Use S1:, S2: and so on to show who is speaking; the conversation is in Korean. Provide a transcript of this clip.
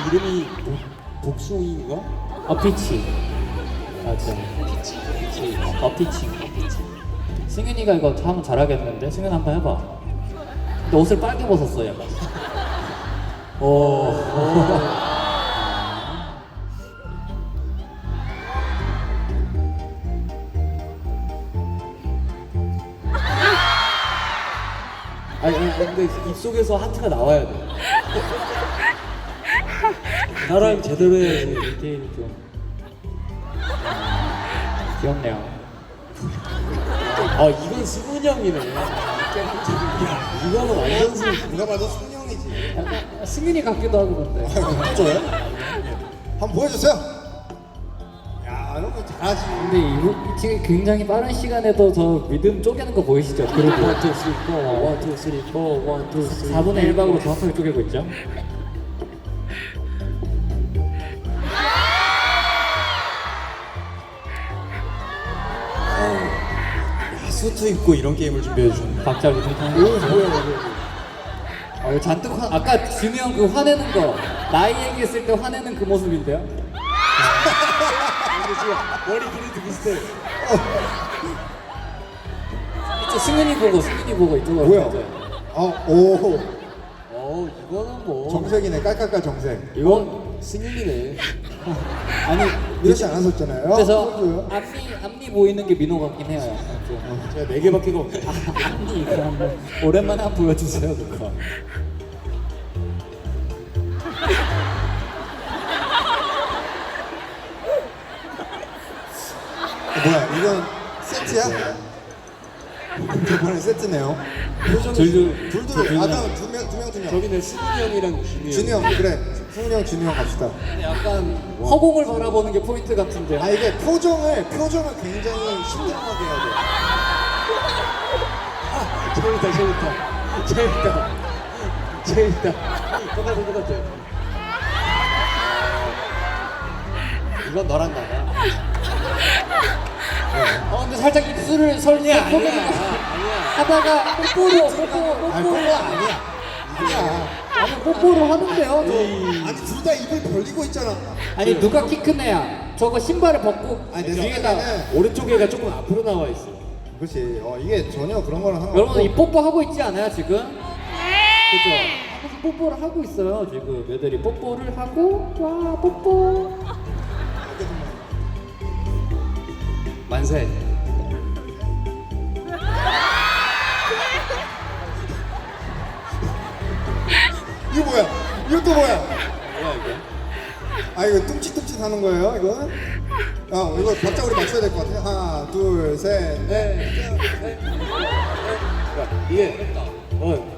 S1: 이름이 복숭이인가?
S2: 피치. 맞아.
S1: 피치.
S2: 피치. 승윤이가 이거 하면 잘하겠는데? 승윤 한번 해봐. 근데 옷을 빨개 벗었어 약간.
S1: 아니 근데 입속에서 하트가 나와야 돼. 나랑 제대로 해야지.
S2: 디테일이 좀 귀엽네요.
S1: 이건 승훈이 형이네. 이거는 완전
S3: 누가 봐도 승용이지.
S2: 약간 승윤이 같기도 하고 근데.
S3: 저요? 한번 보여주세요. 야, 이런 거 잘하지.
S2: 근데 이거 지금 굉장히 빠른 시간에도 저 리듬 쪼개는 거 보이시죠? 그리고
S1: 1, 2, 3, 4, 1, 2, 3, 4, 1, 2, 3.
S2: 4분의 1박으로 정확하게 쪼개고 있죠?
S3: 수트 입고 이런 게임을 준비해 주셨네.
S2: 박자 리듬 타는 거. 이거 잔뜩 아까 준이 형 그 화내는 거 나이 얘기했을 때 화내는 그 모습인데요?
S1: 근데 지금 머리 길이도 비슷해.
S2: 이쪽 승윤이 보고 이쪽으로
S3: 뭐야?
S2: 가죠.
S3: 오,
S1: 이거는 뭐
S3: 정색이네. 깔깔깔 정색.
S1: 이건 승윤이네.
S2: 아니
S3: 이렇지 않았었잖아요.
S2: 그래서
S3: 보여줘요.
S2: 앞니 보이는 게 민호 같긴 해요. 약간 좀.
S1: 제가 4개밖에 없네.
S2: 앞니 그거 한번 오랜만에 한번 보여주세요 그거.
S3: 뭐야? 이건 세트야? 이번에 세트네요. 둘. 아까 두 명.
S1: 저기는 승훈이 형이랑 준이 형.
S3: 준이 형, 그래. 승훈이 형, 준이 형 갑시다.
S1: 약간
S2: 허공을 바라보는 게 포인트 같은데.
S3: 이게 표정을 굉장히 신중하게 해야 돼.
S1: 재밌다. 똑같아. 이건 너랑 나가.
S2: 근데 살짝 입술을 설탕 하다가 뽀뽀로
S3: 그거 아니야.
S2: 아니 뽀뽀를 하는데요.
S3: 아니 둘 다 입을 벌리고 있잖아.
S2: 아니 누가 키 큰 애야? 저거 신발을 벗고
S3: 아니 내
S2: 뒤에다.
S3: 생각에는
S1: 오른쪽에가 조금 앞으로 나와 있어.
S3: 그렇지. 이게 전혀 그런 거랑 상관없고.
S2: 여러분 이 뽀뽀 하고 있지 않아요 지금? 그죠? 하면서 뽀뽀를 하고 있어요 지금 애들이 뽀뽀를 하고 와 뽀뽀.
S1: 만세.
S3: 이거 뭐야? 이것도 뭐야?
S1: 뭐야 이거?
S3: 이거 뚱칫뚱칫 하는 거예요, 이거는? 이거 박자 우리 맞춰야 될 것 같아. 하나, 둘, 셋, 넷.
S1: 이게